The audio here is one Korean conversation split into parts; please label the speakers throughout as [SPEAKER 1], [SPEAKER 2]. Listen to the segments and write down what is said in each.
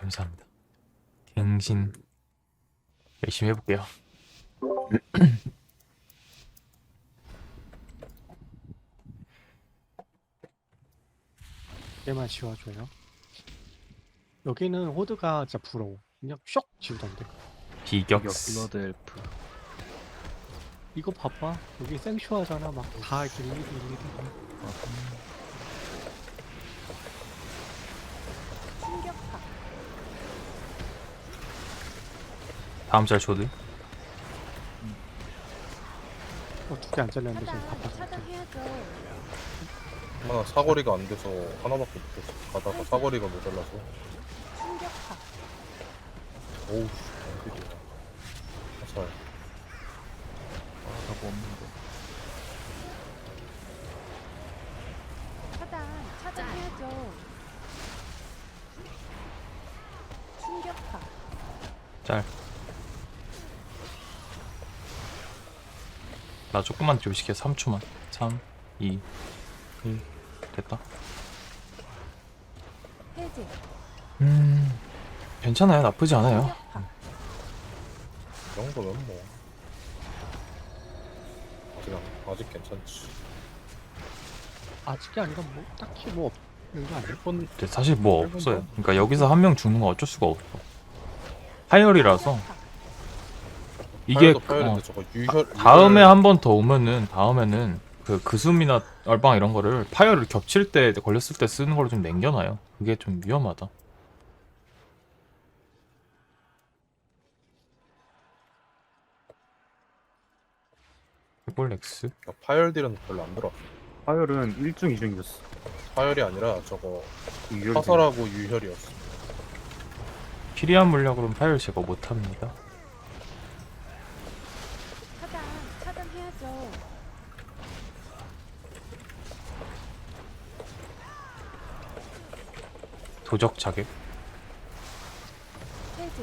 [SPEAKER 1] 감사합니다. 갱신 열심히 해볼게요.
[SPEAKER 2] 얘만 지워줘요. 여기는 호드가 진짜 부러워. 그냥 쇽 지우던데.
[SPEAKER 1] 비격.
[SPEAKER 3] 블러드 엘프.
[SPEAKER 2] 이거 봐봐. 여기 생쇼하잖아. 막 다 이렇게 일일이.
[SPEAKER 4] 충격파.
[SPEAKER 1] 다음 짤 조드.
[SPEAKER 2] 두 개 안 잘렸는데 지금
[SPEAKER 4] 차단,
[SPEAKER 2] 바빠서.
[SPEAKER 4] 차단해야죠.
[SPEAKER 5] 하나 사거리가 안 돼서 하나밖에 못했어. 가다가 사거리가 모자라서.
[SPEAKER 4] 충격파.
[SPEAKER 5] 오우 씨, 엉킬이야. 화살.
[SPEAKER 3] 나뭐 없는데.
[SPEAKER 4] 차단, 차단해야죠. 충격파.
[SPEAKER 1] 짤. 나 조금만 좀 시켜. 3초만. 3, 2, 1. 됐다.
[SPEAKER 4] 해제.
[SPEAKER 1] 괜찮아요. 나쁘지 않아요.
[SPEAKER 4] 충격파.
[SPEAKER 5] 이 정도면 뭐. 아직 괜찮지.
[SPEAKER 2] 아직이 아니라 뭐 딱히 뭐 없는 거 아니야?
[SPEAKER 1] 근데 사실 뭐 없어요. 그러니까 여기서 한 명 죽는 건 어쩔 수가 없어. 파이어리라서 이게
[SPEAKER 5] 파열인데 저거 유혈.
[SPEAKER 1] 다음에 한 번 더 오면은 다음에는 그 그숨이나 얼방 이런 거를 파이어를 겹칠 때 걸렸을 때 쓰는 걸 좀 남겨놔요. 그게 좀 위험하다. 해볼렉스
[SPEAKER 5] 파열 딜은 별로 안 들어.
[SPEAKER 3] 파열은 1중 2중이었어.
[SPEAKER 5] 파열이 아니라 저거
[SPEAKER 3] 유혈.
[SPEAKER 5] 화살하고 유혈이었어.
[SPEAKER 1] 피리한 물약으로는 파이어 제거 못합니다.
[SPEAKER 4] 차단, 차단해야죠.
[SPEAKER 1] 도적 자객.
[SPEAKER 4] 해제.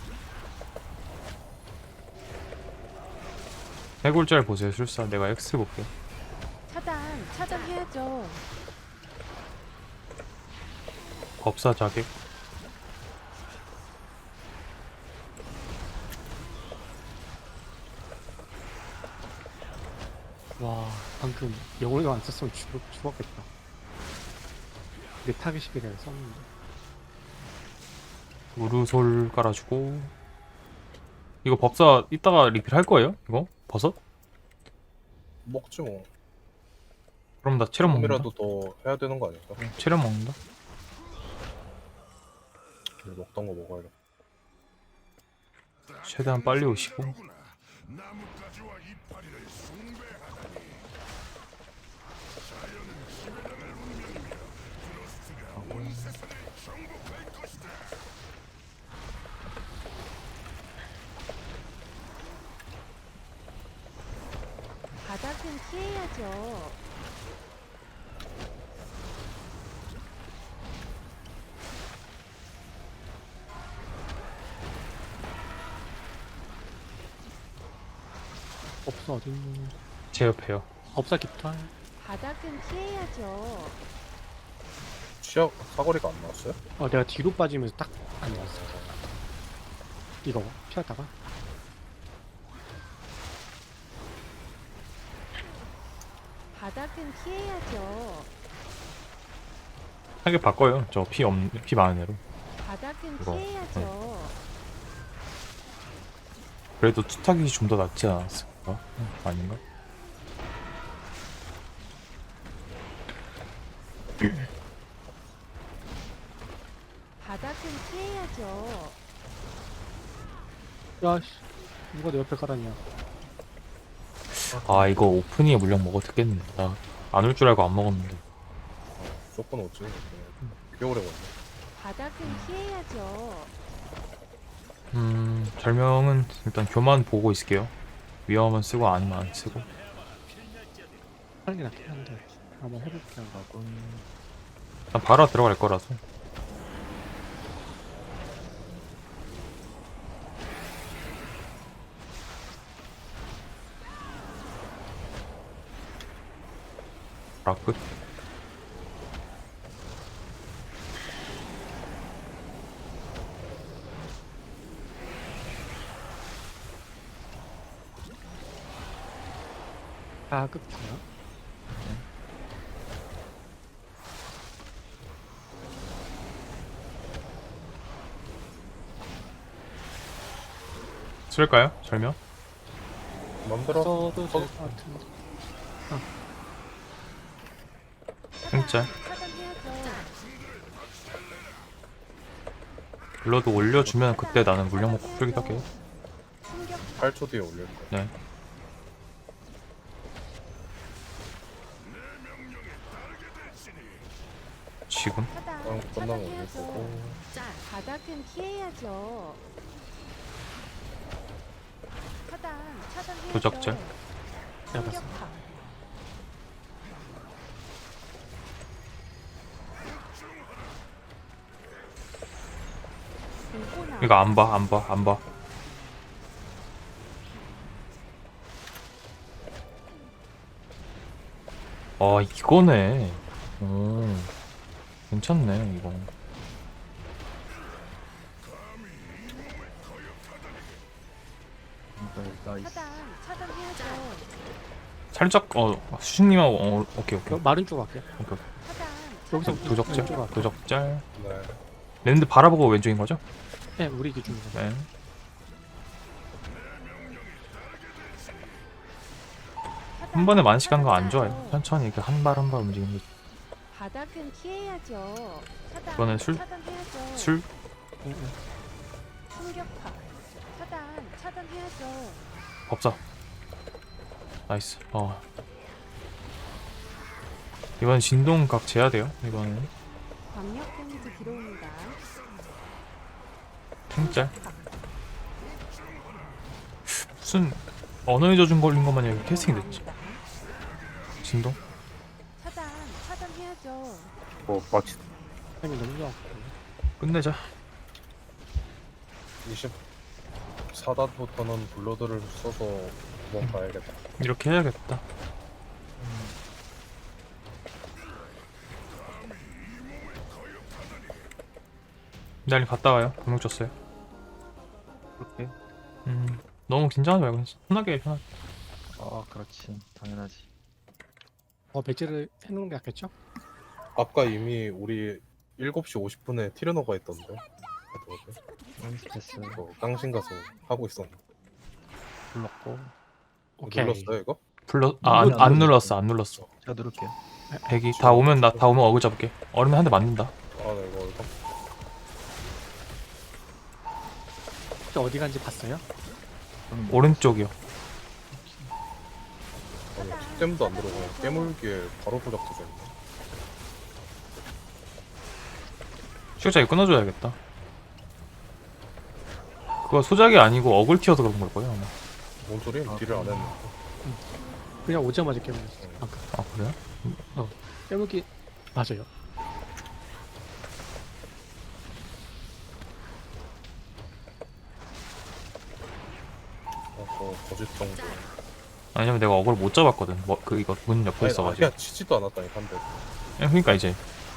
[SPEAKER 1] 해골짤 보세요. 술사 내가 X 볼게.
[SPEAKER 4] 차단, 차단해야죠.
[SPEAKER 1] 법사 자객.
[SPEAKER 2] 와 방금 영혼도 안 썼으면 죽었겠다. 내 타겟이 그냥 썼는데.
[SPEAKER 1] 우르솔 깔아주고. 이거 법사 이따가 리필 할 거예요? 이거? 버섯?
[SPEAKER 5] 먹지 뭐.
[SPEAKER 1] 그럼 나 체력 먹는다.
[SPEAKER 5] 조금이라도 더 해야 되는 거 아닐까?
[SPEAKER 1] 체력 먹는다.
[SPEAKER 5] 먹던 거 먹어야겠다.
[SPEAKER 1] 최대한 빨리 오시고.
[SPEAKER 4] 바닥은 피해야죠.
[SPEAKER 2] 없어 어딨니?
[SPEAKER 1] 제 옆에요.
[SPEAKER 2] 없어 깃털.
[SPEAKER 4] 바닥은 피해야죠.
[SPEAKER 5] 치약 사거리가 안 나왔어요?
[SPEAKER 2] 내가 뒤로 빠지면서 딱 안 나왔어. 이거 피하다가
[SPEAKER 4] 바닥은 피해야죠.
[SPEAKER 1] 타겟 바꿔요. 저 피 많은 애로.
[SPEAKER 4] 바닥은
[SPEAKER 1] 이거,
[SPEAKER 4] 피해야죠.
[SPEAKER 1] 그래도 투타깃이 좀 더 낫지 않았을까? 아닌가?
[SPEAKER 4] 바닥은 피해야죠.
[SPEAKER 2] 야씨 누가 내 옆에 깔았냐?
[SPEAKER 1] 아 이거 오프닝에 물량 먹어도 되겠네. 나 안 올 줄 알고 안 먹었는데.
[SPEAKER 5] 조건 어찌? 꽤 오래 걸려.
[SPEAKER 4] 바닥은 피해야죠.
[SPEAKER 1] 절명은 일단 교만 보고 있을게요. 위험은 쓰고 아니면 안 쓰고.
[SPEAKER 2] 하는 게 낫긴 한데 한번 해볼게요.
[SPEAKER 1] 일단 바로 들어갈 거라서. 라끝.
[SPEAKER 2] 끝이야.
[SPEAKER 1] 쓸까요? 절명?
[SPEAKER 5] 맘대로
[SPEAKER 2] 써도 될 것 같은데.
[SPEAKER 1] 진짜.
[SPEAKER 4] 차단해야죠.
[SPEAKER 1] 블러드 올려주면 그때 나는 물량 먹고 풀기도 할게요.
[SPEAKER 4] 충격파.
[SPEAKER 5] 8초 뒤에 올릴 거야.
[SPEAKER 1] 네. 지금?
[SPEAKER 4] 차단.
[SPEAKER 5] 끝나면 올릴
[SPEAKER 4] 차단해야죠.
[SPEAKER 5] 거고.
[SPEAKER 4] 바닥은 피해야죠. 차단해야죠.
[SPEAKER 1] 도적질.
[SPEAKER 2] 내가 봤어.
[SPEAKER 4] 충격파. 공포나.
[SPEAKER 1] 이거 안 봐, 안 봐, 안 봐. 이거네. 오, 괜찮네, 이거.
[SPEAKER 3] 나이스.
[SPEAKER 4] 차단해야죠.
[SPEAKER 1] 살짝, 수식님하고, 오케이, 오케이.
[SPEAKER 2] 마른 쪽 갈게요.
[SPEAKER 1] 오케이.
[SPEAKER 4] 차단.
[SPEAKER 2] 여기서
[SPEAKER 1] 도적짤,
[SPEAKER 2] 왼쪽 갈게요.
[SPEAKER 1] 도적짤.
[SPEAKER 5] 네.
[SPEAKER 1] 랜드 바라보고 왼쪽인 거죠?
[SPEAKER 2] 네, 우리 기준으로.
[SPEAKER 1] 네. 한 번에 많이 시간 거 안 좋아요. 천천히 이렇게 한 발 한 발 움직이는 게.
[SPEAKER 4] 바닥은 피해야죠. 차단.
[SPEAKER 1] 이거는
[SPEAKER 4] 차단해야죠.
[SPEAKER 1] 술?
[SPEAKER 2] 응, 응.
[SPEAKER 4] 충격파. 차단해야죠.
[SPEAKER 1] 법사. 나이스. 이번 진동각 재야 돼요. 이번에는
[SPEAKER 4] 광역 데미지 들어옵니다.
[SPEAKER 1] 탱짤. 무슨 언어의 저준 걸린 것만 여기 캐스팅 됐지. 진동?
[SPEAKER 4] 차단해야죠.
[SPEAKER 3] 마치
[SPEAKER 2] 타이밍 너무 좋았고.
[SPEAKER 1] 끝내자.
[SPEAKER 5] 24단부터는 블러드를 써서 도망가야겠다.
[SPEAKER 1] 이렇게 해야겠다. 날리 갔다 와요. 분명 줬어요.
[SPEAKER 3] 그렇게.
[SPEAKER 1] 너무 긴장하지 말고 편하게 편하게.
[SPEAKER 3] 그렇지. 당연하지.
[SPEAKER 2] 배치를 해놓는 게 낫겠죠?
[SPEAKER 5] 아까 이미 우리 7시 50분에 티르노가 있던데.
[SPEAKER 3] 됐어.
[SPEAKER 5] 이거 깡신 가서 하고 있었는데.
[SPEAKER 3] 불렀고.
[SPEAKER 2] 오케이.
[SPEAKER 5] 눌렀어요 이거?
[SPEAKER 1] 안 눌렀어. 안 눌렀어.
[SPEAKER 3] 제가 누를게요.
[SPEAKER 1] 대기 다 오면 다 오면 어글 잡을게. 얼면 한 대 맞는다.
[SPEAKER 5] 네 이거
[SPEAKER 2] 혹시 어디 간지 봤어요?
[SPEAKER 1] 오른쪽이요.
[SPEAKER 5] 템도 안 들어오고 그냥 깨물기에 바로 도작 터졌네.
[SPEAKER 1] 시각자 이거 끊어줘야겠다. 그거 소작이 아니고 어글 튀어서 그런 걸 거예요 아마.
[SPEAKER 5] 뭔 소리? 딜을 안 했는데.
[SPEAKER 2] 그냥 오자마자 깨물었어.
[SPEAKER 1] 아 그래요?
[SPEAKER 2] 깨물기 맞아요.
[SPEAKER 5] 거짓 정도.
[SPEAKER 1] 아니면 내가 어글 못 잡았거든. 이거 문 옆에 있어가지고.
[SPEAKER 5] 그냥 치지도 않았다니까 한 대.
[SPEAKER 1] 그러니까 이제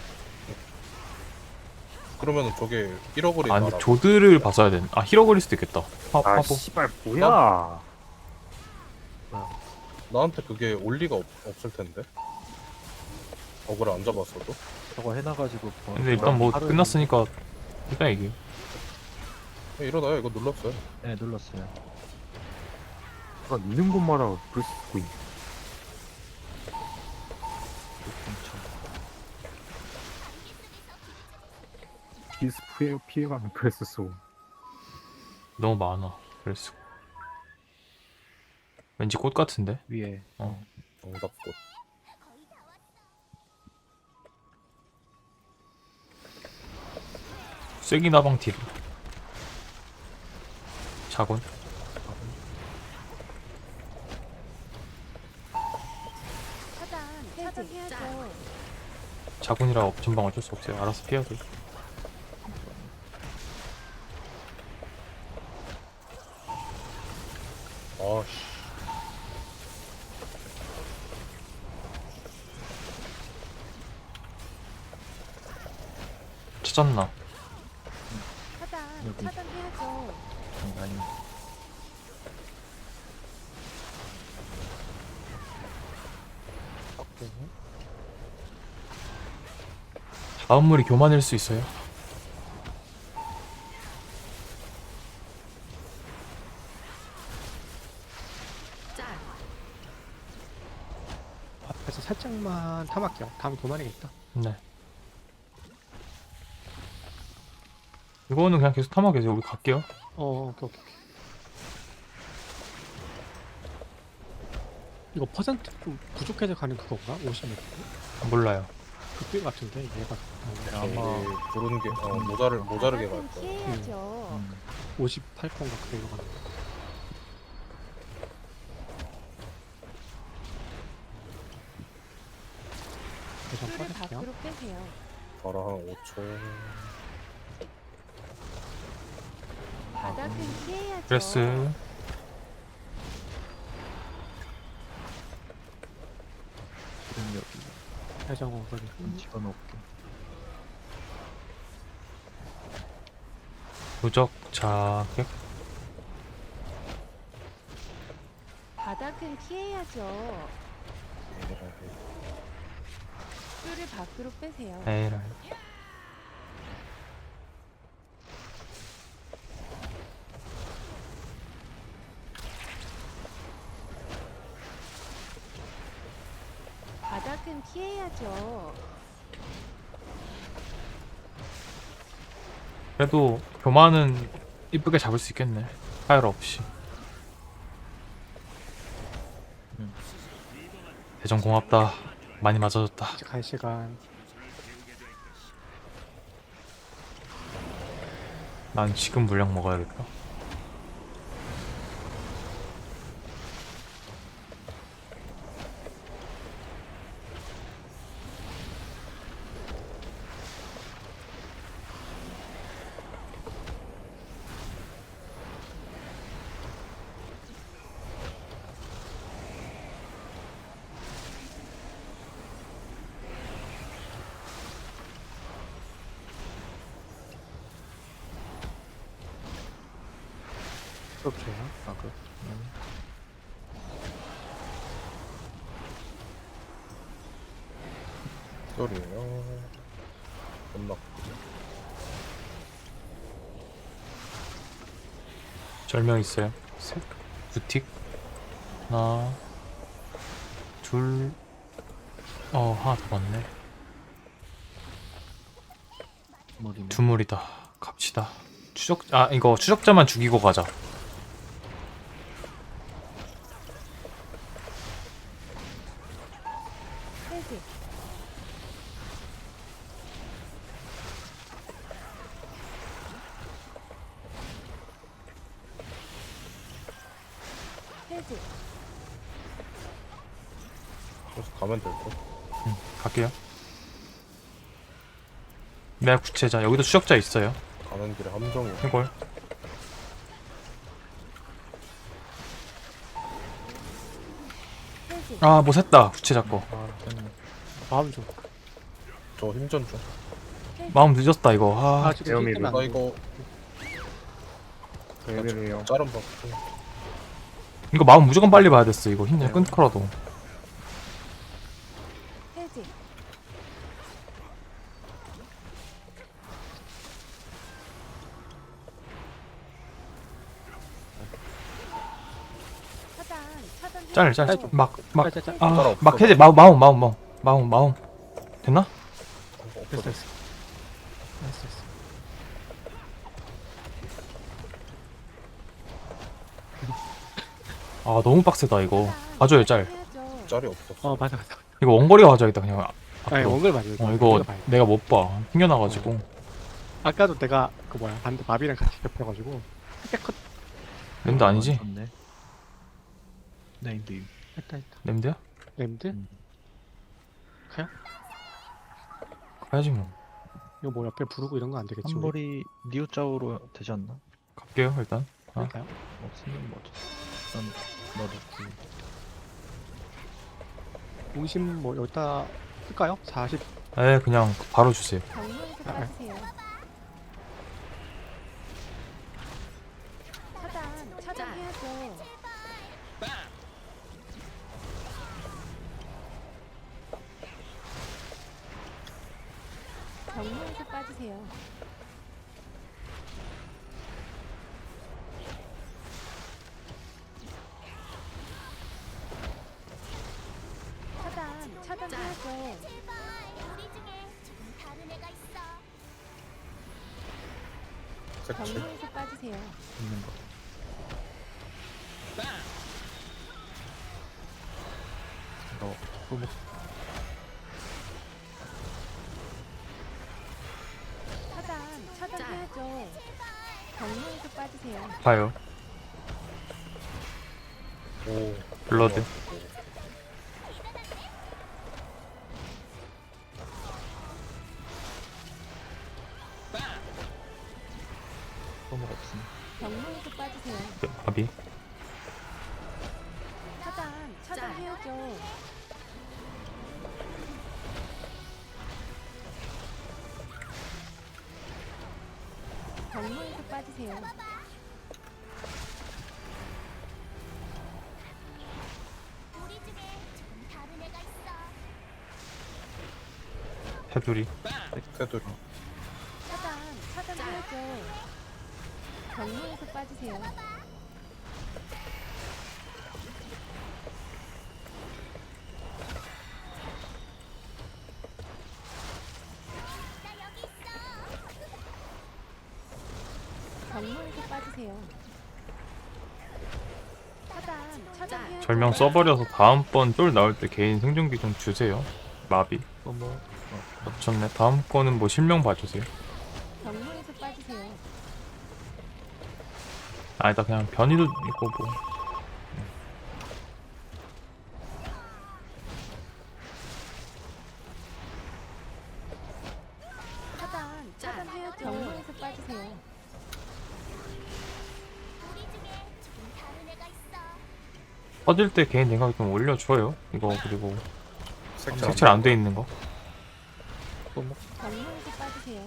[SPEAKER 5] 그러면은 저게 잃어버린
[SPEAKER 1] 근데
[SPEAKER 5] 나라.
[SPEAKER 1] 조드를 봤어야 되는. 히러그릴 수도 있겠다. 화보.
[SPEAKER 3] 씨발 뭐야?
[SPEAKER 5] 나한테 그게 올 리가 없을 텐데. 어그를 안 잡았어도.
[SPEAKER 3] 저거 해놔가지고.
[SPEAKER 1] 근데 일단 뭐 끝났으니까 일단 이게.
[SPEAKER 5] 일어나요. 이거 눌렀어요.
[SPEAKER 3] 네, 눌렀어요.
[SPEAKER 6] 있는 것마다 불 쓰고 있네. 비스 피해가면 프레스 쓰고.
[SPEAKER 1] 너무 많아. 그랬어. 왠지 꽃 같은데.
[SPEAKER 3] 위에.
[SPEAKER 5] 정답꽃.
[SPEAKER 1] 쐐기 나방 딜. 자곤.
[SPEAKER 4] 차단해야죠.
[SPEAKER 1] 자곤이라 전방 어쩔 수 없어요. 알아서 피해야 돼.
[SPEAKER 5] 아씨.
[SPEAKER 1] 찾았나?
[SPEAKER 3] 여기.
[SPEAKER 4] 차단해야죠.
[SPEAKER 3] 아니.
[SPEAKER 2] 네.
[SPEAKER 1] 다음 물이 교만일 수 있어요.
[SPEAKER 2] 앞에서 살짝만 탐할게요. 다음에 교만이겠다.
[SPEAKER 1] 네. 이거는 그냥 계속 탐하 계세요. 우리 갈게요.
[SPEAKER 2] 오케이. 이거 퍼센트 좀 부족해서 가는 그건가? 50몇?
[SPEAKER 1] 몰라요.
[SPEAKER 2] 그때 같은데 얘가
[SPEAKER 3] 아마
[SPEAKER 5] 부른 게 모자르게 갈
[SPEAKER 4] 바닥은
[SPEAKER 5] 거야.
[SPEAKER 4] 피해야죠.
[SPEAKER 2] 58건가 그대로 가는 거. 대전
[SPEAKER 4] 뿔을
[SPEAKER 2] 빠질게요.
[SPEAKER 4] 밖으로 빼세요.
[SPEAKER 5] 바로 한 5초.
[SPEAKER 4] 바닥은 피해야죠.
[SPEAKER 1] 그레스.
[SPEAKER 3] 지금 여기
[SPEAKER 2] 대전 오버리.
[SPEAKER 3] 집어넣을게.
[SPEAKER 1] 무적 자격.
[SPEAKER 4] 바닥은 피해야죠. 뿔을 밖으로 빼세요.
[SPEAKER 1] 에이라.
[SPEAKER 4] 바닥은 피해야죠.
[SPEAKER 1] 그래도 교만은 이쁘게 잡을 수 있겠네. 파열 없이. 대전 고맙다. 많이 맞아줬다.
[SPEAKER 2] 이제 갈 시간.
[SPEAKER 1] 난 지금 물량 먹어야겠다.
[SPEAKER 2] 그렇죠.
[SPEAKER 3] 아그
[SPEAKER 5] 소리예요. 끝났고.
[SPEAKER 1] 절명 있어요. 셋. 두틱. 하나. 둘. 하나 더 맞네.
[SPEAKER 3] 머리는
[SPEAKER 1] 두 물이다. 갑시다. 이거 추적자만 죽이고 가자.
[SPEAKER 4] 해제. 해제.
[SPEAKER 5] 그래서 가면 될 거.
[SPEAKER 1] 갈게요. 내가 구체자. 여기도 추적자 있어요.
[SPEAKER 5] 가는 길에 함정이.
[SPEAKER 1] 이걸.
[SPEAKER 4] 해제.
[SPEAKER 1] 뭐 샜다. 구체자 거.
[SPEAKER 2] 마음 좀.
[SPEAKER 5] 저 힘전 중.
[SPEAKER 1] 마음 늦었다 이거.
[SPEAKER 2] 지금
[SPEAKER 6] 에어미를.
[SPEAKER 2] 힐 때문에
[SPEAKER 5] 나
[SPEAKER 2] 안 돼.
[SPEAKER 5] 이거
[SPEAKER 6] 왜래요?
[SPEAKER 5] 짤은 받고.
[SPEAKER 1] 이거 마음 무조건 빨리 봐야 됐어. 이거 힘내 끊고라도.
[SPEAKER 4] 해제. 차단.
[SPEAKER 1] 짤.
[SPEAKER 2] 짤.
[SPEAKER 1] 막 해제. 마음. 됐나?
[SPEAKER 2] 됐어. 됐어.
[SPEAKER 1] 너무 빡세다 이거. 봐줘요 짤.
[SPEAKER 4] 해야죠.
[SPEAKER 5] 짤이 없었어.
[SPEAKER 2] 맞아.
[SPEAKER 1] 이거 원거리가 가져야겠다 그냥.
[SPEAKER 2] 아니
[SPEAKER 1] 앞으로.
[SPEAKER 2] 원글 맞아.
[SPEAKER 1] 이거 내가 못 봐. 튕겨나가지고.
[SPEAKER 2] 아까도 내가 그 뭐야 반대 마비랑 같이 겹쳐가지고 컷
[SPEAKER 1] 램드 아니지?
[SPEAKER 3] 좋네. 네임드
[SPEAKER 2] 했다.
[SPEAKER 1] 램드야?
[SPEAKER 2] 램드? 가요?
[SPEAKER 1] 가야지 뭐.
[SPEAKER 2] 이거 뭐 옆에 부르고 이런 거 안 되겠지?
[SPEAKER 3] 한 머리 니오 짜오로 되지 않나?
[SPEAKER 1] 갈게요 일단.
[SPEAKER 2] 할까요?
[SPEAKER 3] 없으면 뭐죠? 일단 넣어놓고
[SPEAKER 2] 중심 뭐 여기다 쓸까요? 40
[SPEAKER 1] 그냥 바로 주세요.
[SPEAKER 4] 정면에서 빠지세요. 차단해야죠. 빠지세요. 차단해야죠.
[SPEAKER 5] 색칠.
[SPEAKER 4] 경로에서 빠지세요.
[SPEAKER 3] 있는 거. 너 소목
[SPEAKER 4] 차단해야죠. 경로에서 빠지세요.
[SPEAKER 1] 봐요.
[SPEAKER 5] 오.
[SPEAKER 1] 블러드.
[SPEAKER 3] 소목 없음.
[SPEAKER 4] 경로에서 빠지세요.
[SPEAKER 1] 마비.
[SPEAKER 4] 차단해야죠. 경로에서 빠지세요.
[SPEAKER 1] 테두리.
[SPEAKER 5] 테두리.
[SPEAKER 4] 차단해야죠. 경로에서 빠지세요. 경로에서 빠지세요. 차단해야죠.
[SPEAKER 1] 절명 써버려서 다음번 쫄 나올 때 개인 생존기 좀 주세요. 마비.
[SPEAKER 3] 소목
[SPEAKER 1] 놓쳤네. 다음 거는 뭐 실명 봐주세요.
[SPEAKER 4] 경로에서 빠지세요.
[SPEAKER 1] 아니다 그냥 변이도 있고 뭐.
[SPEAKER 4] 차단해야죠. 경로에서 빠지세요.
[SPEAKER 1] 퍼질 때 개인 냉각이 좀 올려줘요. 이거 그리고
[SPEAKER 5] 색칠.
[SPEAKER 1] 색칠 안 돼 있는 거.
[SPEAKER 3] 소목
[SPEAKER 4] 경로에서 빠지세요.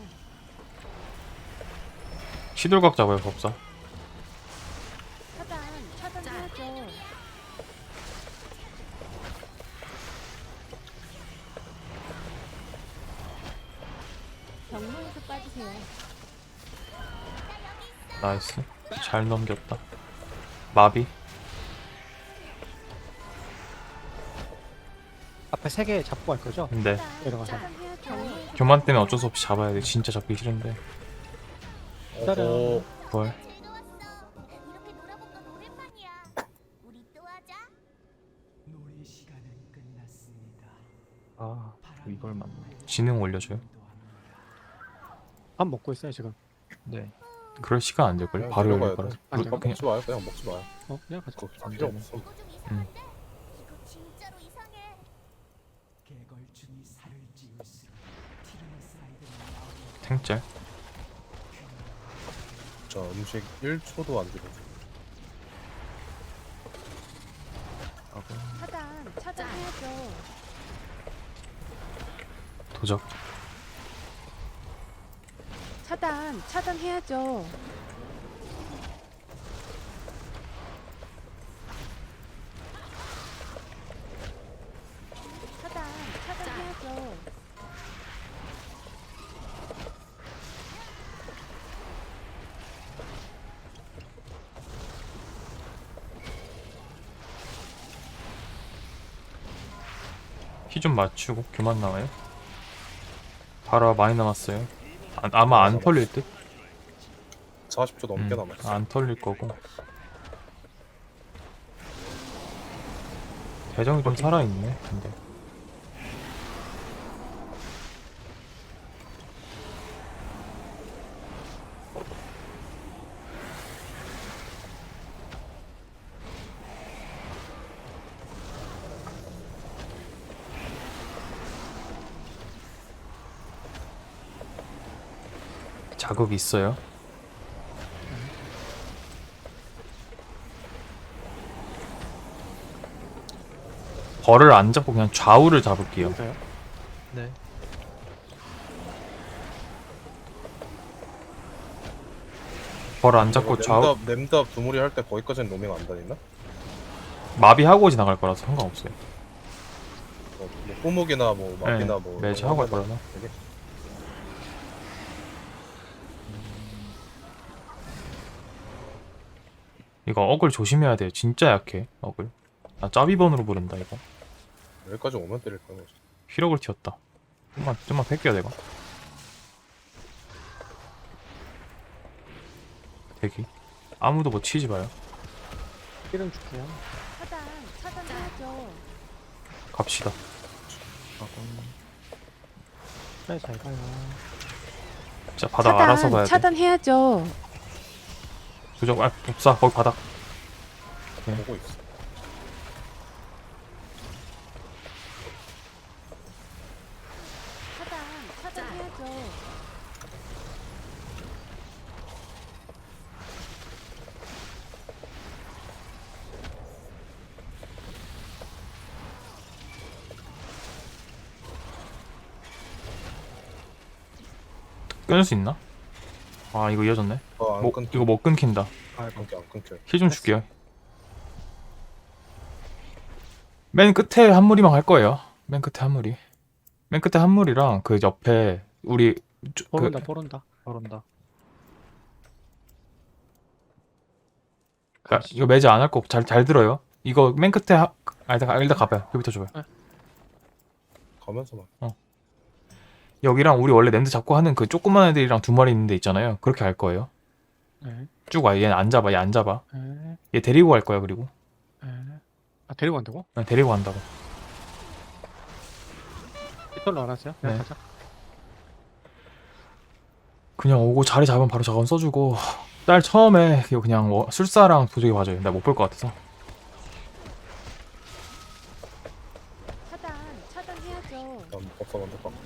[SPEAKER 1] 시들각 잡아요 법사.
[SPEAKER 4] 차단해야죠. 경로에서 빠지세요.
[SPEAKER 1] 나이스. 잘 넘겼다. 마비.
[SPEAKER 2] 앞에 3개 잡고 갈 거죠?
[SPEAKER 1] 근데
[SPEAKER 2] 내려가서.
[SPEAKER 4] 경로에서
[SPEAKER 1] 교만 때문에 어쩔 수 없이 잡아야 돼. 진짜 잡기 싫은데.
[SPEAKER 5] 어,
[SPEAKER 1] 뭘.
[SPEAKER 3] 아 이걸 맞네.
[SPEAKER 1] 지능 올려줘요.
[SPEAKER 2] 밥 먹고 있어요 지금.
[SPEAKER 3] 네.
[SPEAKER 1] 그럴 시간 안 될걸.
[SPEAKER 5] 그냥
[SPEAKER 1] 바로
[SPEAKER 5] 내려가야
[SPEAKER 1] 열릴 거라.
[SPEAKER 5] 돼.
[SPEAKER 2] 아니,
[SPEAKER 1] 그냥
[SPEAKER 5] 먹지 마요. 그냥 먹지 마요.
[SPEAKER 2] 그냥 가자.
[SPEAKER 5] 그거 필요 없어.
[SPEAKER 1] 탱짤.
[SPEAKER 5] 자, 음식 1초도 안 들어.
[SPEAKER 4] 차단해야죠.
[SPEAKER 1] 도적.
[SPEAKER 4] 차단해야죠. 차단해야죠.
[SPEAKER 1] 키 좀 맞추고 교만 나와요. 바로 많이 남았어요. 아마 안 털릴 듯?
[SPEAKER 5] 40초 넘게 남았어.
[SPEAKER 1] 안 털릴 거고. 대정이 좀 살아있네. 근데 자극 있어요. 벌을 안 잡고 그냥 좌우를 잡을게요.
[SPEAKER 2] 여기서요?
[SPEAKER 3] 네.
[SPEAKER 1] 벌 안 잡고 좌우
[SPEAKER 5] 냄답 두무리 할 때 거기까지는 로밍 안 다니나?
[SPEAKER 1] 마비하고 지나갈 거라서 상관없어요.
[SPEAKER 5] 뭐 꼬목이나 뭐 마비나 뭐
[SPEAKER 1] 매지
[SPEAKER 5] 이런
[SPEAKER 1] 하고
[SPEAKER 5] 거
[SPEAKER 1] 할 거라서.
[SPEAKER 5] 되게
[SPEAKER 1] 이거 어글 조심해야 돼요. 진짜 약해 어글. 나 짜비번으로 부른다 이거.
[SPEAKER 5] 여기까지 오면 때릴 거야.
[SPEAKER 1] 휘력을 튀었다. 좀만 뺄게요 내가. 대기. 아무도 뭐 치지 마요.
[SPEAKER 2] 힐은 줄게요.
[SPEAKER 4] 차단해야죠.
[SPEAKER 1] 갑시다.
[SPEAKER 2] 네, 잘 가요.
[SPEAKER 1] 자 바닥 알아서 봐야 돼.
[SPEAKER 4] 차단해야죠.
[SPEAKER 1] 도적 없어 거기 바닥.
[SPEAKER 5] 보고 있어.
[SPEAKER 4] 차단해야죠.
[SPEAKER 1] 끊을 수 있나? 아 이거 이어졌네.
[SPEAKER 5] 안 끊겨.
[SPEAKER 1] 이거 못 끊긴다.
[SPEAKER 5] 안 끊겨.
[SPEAKER 1] 힐 좀 줄게요. 맨 끝에 한 무리만 갈 거예요. 맨 끝에 한 무리. 맨 끝에 한 무리랑 그 옆에 우리
[SPEAKER 2] 뽀른다, 뽀른다.
[SPEAKER 3] 모른다.
[SPEAKER 1] 이거 매지 안 할 거 잘 들어요. 이거 맨 끝에 일단 가봐요. 여기부터 줘봐요.
[SPEAKER 5] 가면서 막.
[SPEAKER 1] 여기랑 우리 원래 랜드 잡고 하는 그 조그만 애들이랑 두 마리 있는데 있잖아요. 그렇게 할 거예요.
[SPEAKER 2] 네.
[SPEAKER 1] 쭉 와. 얘는 안 잡아. 얘 안 잡아.
[SPEAKER 2] 네.
[SPEAKER 1] 얘 데리고 갈 거야. 그리고
[SPEAKER 2] 네. 아, 데리고 간다고?
[SPEAKER 1] 그냥 데리고 간다고.
[SPEAKER 2] 이걸로 알았어요? 그냥
[SPEAKER 1] 네.
[SPEAKER 2] 가자.
[SPEAKER 1] 그냥 오고 자리 잡으면 바로 저건 써주고 딸 처음에 이거 그냥 술사랑 도적이 봐줘요. 나 못 볼 것 같아서.
[SPEAKER 4] 차단해야죠.
[SPEAKER 5] 난 법사 먼저 가.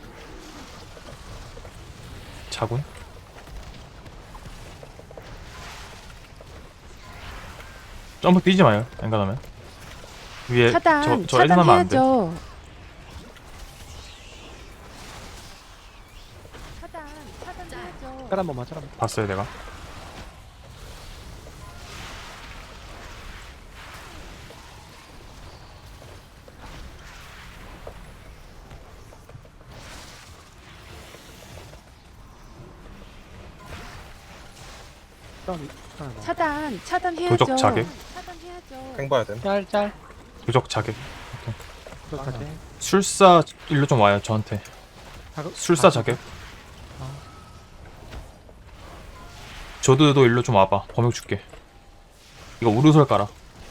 [SPEAKER 1] 자군. 점프 뛰지 마요. 엔간하면 위에 저 애들 하면 안 돼.
[SPEAKER 4] 차단해야죠. 차단해야죠.
[SPEAKER 2] 짤 한 번만, 짤 한 번.
[SPEAKER 1] 봤어요 내가.
[SPEAKER 4] 차단해야죠.
[SPEAKER 1] 도적 자객.
[SPEAKER 4] 차단해야죠.
[SPEAKER 5] 행 봐야 돼.
[SPEAKER 2] 짤.
[SPEAKER 1] 도적 자객.
[SPEAKER 2] 그거까지.
[SPEAKER 1] 술사 일로 좀 와요 저한테. 술사 자객. 조드도 일로 좀 와봐. 범역 줄게. 이거 우르솔 깔아.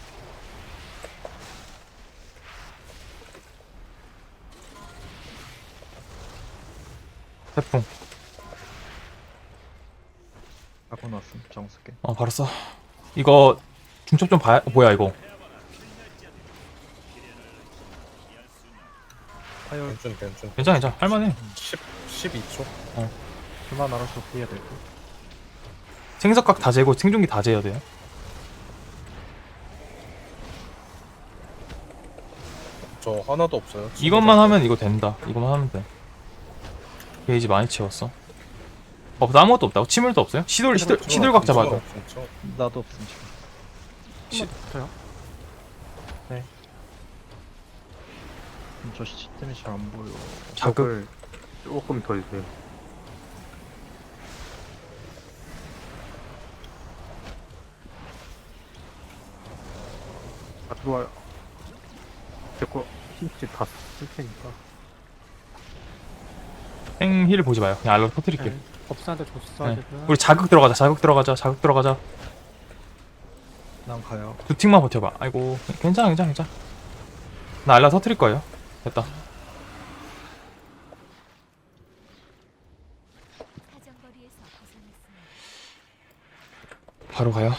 [SPEAKER 1] 태풍.
[SPEAKER 3] 하고 났음. 정수게.
[SPEAKER 1] 바로 써. 이거 중첩 좀 봐야. 뭐야 이거.
[SPEAKER 3] 파열
[SPEAKER 1] 괜찮아. 할만해.
[SPEAKER 5] 12초?
[SPEAKER 3] 그만 알아서 해야 될 듯.
[SPEAKER 1] 생석각 다 재고 생존기 다 재야 돼요.
[SPEAKER 5] 저 하나도 없어요.
[SPEAKER 1] 이것만 하면 이거 된다. 이것만 하면 돼. 게이지 많이 채웠어. 아무것도 없다고? 치물도 없어요? 시돌각 잡아줘.
[SPEAKER 5] 진짜.
[SPEAKER 3] 나도 없음 지금.
[SPEAKER 2] 한번 붙어요.
[SPEAKER 3] 저 시스템이 잘 안 보여.
[SPEAKER 1] 자극.
[SPEAKER 6] 조금 더 주세요. 아, 들어와요. 제거 힌트 다 쓸 테니까.
[SPEAKER 1] 생힐 보지 마요. 그냥 알로 터뜨릴게.
[SPEAKER 2] 네. 법사한테 줬어.
[SPEAKER 1] 네.
[SPEAKER 2] 지금.
[SPEAKER 1] 우리 자극 들어가자.
[SPEAKER 3] 난 가요.
[SPEAKER 1] 두 틱만 버텨봐. 아이고 괜찮아. 나 알라 터뜨릴 거예요. 됐다. 바로 가요.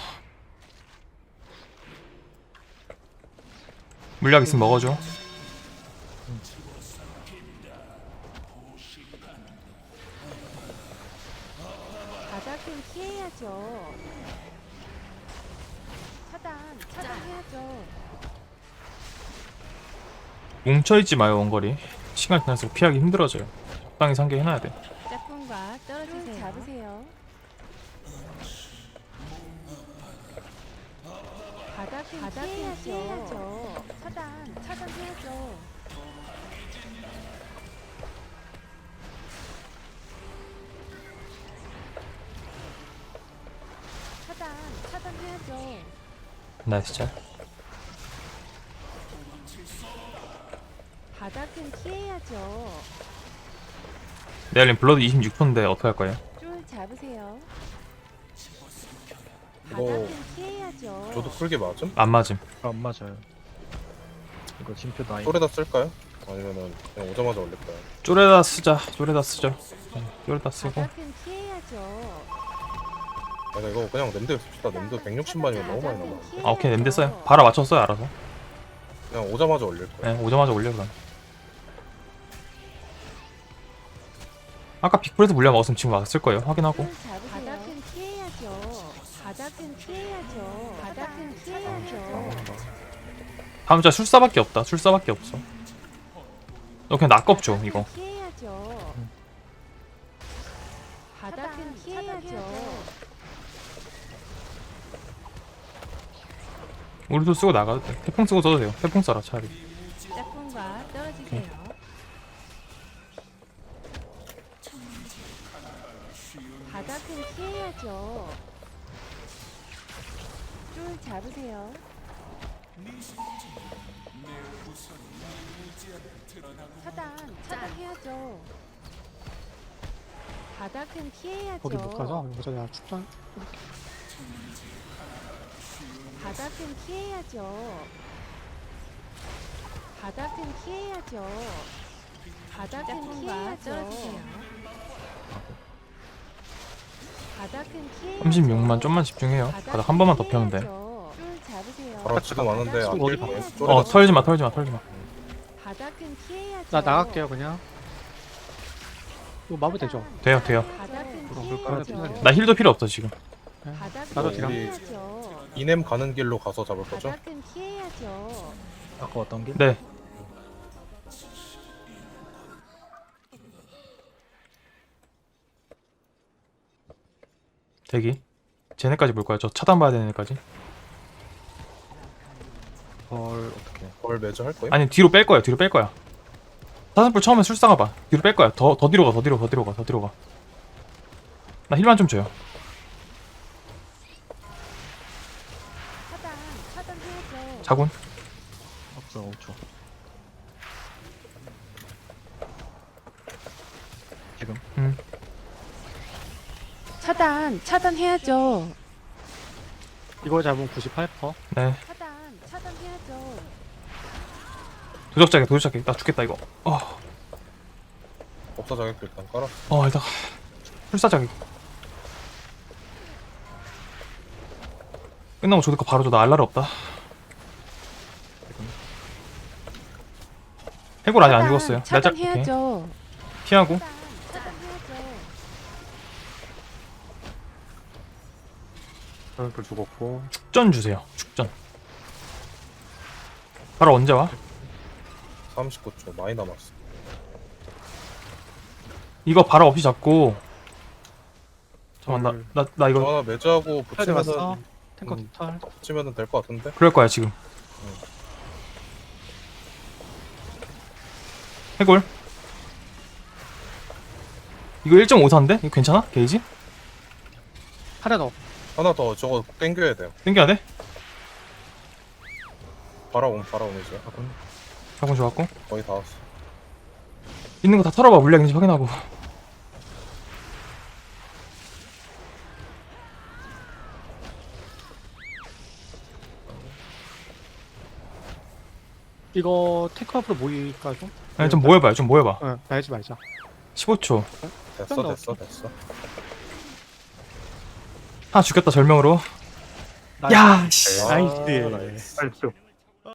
[SPEAKER 1] 물약 있으면 먹어줘.
[SPEAKER 4] 바닥은 피해야죠. 차단해야죠.
[SPEAKER 1] 뭉쳐있지 마요 원거리. 시간 지날수록 피하기 힘들어져요. 적당히 상계해놔야 돼.
[SPEAKER 4] 짝꿍과 떨어지세요. 잡으세요. 바닥은 피해야죠. 차단해야죠. 차단해야죠.
[SPEAKER 1] 나이스 짤.
[SPEAKER 4] 바닥은 피해야죠.
[SPEAKER 1] 네알님 블러드 26%인데 어떻게 할 거예요?
[SPEAKER 4] 줄 잡으세요.
[SPEAKER 5] 이거
[SPEAKER 4] 바닥은 피해야죠.
[SPEAKER 5] 저도 풀게 맞음?
[SPEAKER 1] 안 맞음.
[SPEAKER 3] 안 맞아요. 이거 진표 나이.
[SPEAKER 5] 쫄에다 쓸까요? 아니면은 그냥 오자마자 올릴까요?
[SPEAKER 1] 쪼레다 쓰자. 쪼레다 쓰죠. 쪼레다 쓰고.
[SPEAKER 4] 바닥은 피해야죠.
[SPEAKER 5] 내가 이거 그냥 냄새 씁시다. 냄새 160만이면 너무 많이 남아.
[SPEAKER 1] 아 오케이 냄대 써요. 바로 맞췄어요 알아서.
[SPEAKER 5] 그냥 오자마자 올릴 거야.
[SPEAKER 1] 네 오자마자 올려 그럼. 아까 빅플에서 물량 먹었으면 지금 왔을 거예요. 확인하고.
[SPEAKER 4] 줄 잡으세요. 바닥은 피해야죠. 바닥은 피해야죠. 바닥은 피해야죠.
[SPEAKER 1] 다음 자 술사밖에 없다. 술사밖에 없어. 너 그냥 낙겁죠 이거.
[SPEAKER 4] 피해야죠. 바닥은 피해야죠.
[SPEAKER 1] 우리도 쓰고 나가도 돼. 태풍 쓰고 써도 돼요. 태풍 써라 차라리.
[SPEAKER 4] 짝꿍과 떨어지세요. 바닥은 피해야죠. 줄 잡으세요. 차단해야죠. 바닥은 피해야죠.
[SPEAKER 2] 거기 못 가서 여기서 내가 축전.
[SPEAKER 4] 바닥은 피해야죠. 바닥은 피해야죠. 바닥은 피해야죠. 바닥은 피해야죠.
[SPEAKER 1] 36만 좀만 집중해요. 바닥 한 번만 더 펴면 돼.
[SPEAKER 4] 줄 잡으세요.
[SPEAKER 5] 바로 지금 왔는데 안
[SPEAKER 2] 어디
[SPEAKER 5] 뛸 거예요.
[SPEAKER 2] 봐.
[SPEAKER 5] 쫄에다
[SPEAKER 1] 털지 마 털지 마 털지 마.
[SPEAKER 4] 바닥은 피해야죠.
[SPEAKER 2] 나 나갈게요 그냥. 이거 마무리 되죠?
[SPEAKER 1] 돼요 돼요.
[SPEAKER 4] 바닥은
[SPEAKER 2] 그럴까요?
[SPEAKER 4] 피해야죠.
[SPEAKER 1] 나 힐도 필요 없어 지금.
[SPEAKER 4] 바닥은
[SPEAKER 2] 나도 딜함.
[SPEAKER 4] 피해야죠.
[SPEAKER 5] 이넴 가는 길로 가서 잡을 거죠?
[SPEAKER 4] 바닥은 피해야죠.
[SPEAKER 3] 아까 왔던 길?
[SPEAKER 1] 네. 대기. 쟤네까지 볼 거야. 저 차단 봐야 되는 애까지.
[SPEAKER 3] 헐 어떻게?
[SPEAKER 5] 벌 매주 할 거예요?
[SPEAKER 1] 아니 뒤로 뺄 거야. 뒤로 뺄 거야. 사슴뿔 처음에 술사가 봐. 뒤로 뺄 거야. 더 뒤로 가. 더 뒤로 가. 더 뒤로 가. 더 뒤로 가. 나 힐만 좀 줘요.
[SPEAKER 4] 차단해야죠.
[SPEAKER 1] 자군.
[SPEAKER 3] 없어 5초. 지금
[SPEAKER 4] 차단해야죠.
[SPEAKER 2] 이거 잡으면 98%.
[SPEAKER 1] 네.
[SPEAKER 4] 차단해야죠.
[SPEAKER 1] 도적자기 도적자기. 나 죽겠다 이거.
[SPEAKER 5] 법사 자격도 일단 깔아.
[SPEAKER 1] 일단 술사자기. 끝나고 조드카 바로 줘. 나 알라르 없다. 해골 아직 안 죽었어요. 오케이.
[SPEAKER 4] 차단해야죠.
[SPEAKER 1] 피하고.
[SPEAKER 4] 차단해야죠.
[SPEAKER 6] 사슴뿔 죽었고.
[SPEAKER 1] 축전 주세요. 축전. 바로 언제 와?
[SPEAKER 5] 39초 많이 남았어.
[SPEAKER 1] 이거 바로 없이 잡고. 잠깐만 나
[SPEAKER 5] 저
[SPEAKER 1] 이거
[SPEAKER 5] 하나 매주하고
[SPEAKER 2] 털 왔어.
[SPEAKER 5] 붙이면은
[SPEAKER 2] 탱커 털.
[SPEAKER 5] 붙이면은 될 것 같은데?
[SPEAKER 1] 그럴 거야 지금. 해골. 이거 1.54인데? 이거 괜찮아? 게이지?
[SPEAKER 2] 하나 더.
[SPEAKER 5] 하나 더 저거 땡겨야 돼요.
[SPEAKER 1] 땡겨야 돼?
[SPEAKER 5] 바라옴이죠.
[SPEAKER 1] 자군 좋았고.
[SPEAKER 5] 거의 다 왔어.
[SPEAKER 1] 있는 거 다 털어봐. 물량인지 확인하고.
[SPEAKER 2] 이거 탱커 앞으로 모일까 좀?
[SPEAKER 1] 아니 좀 모여봐요. 좀 모여봐.
[SPEAKER 2] 날지 말자.
[SPEAKER 1] 15초.
[SPEAKER 5] 됐어.
[SPEAKER 1] 하나 죽였다 절명으로.
[SPEAKER 2] 나이스.
[SPEAKER 1] 야 씨.
[SPEAKER 2] 나이스.
[SPEAKER 6] 나이스.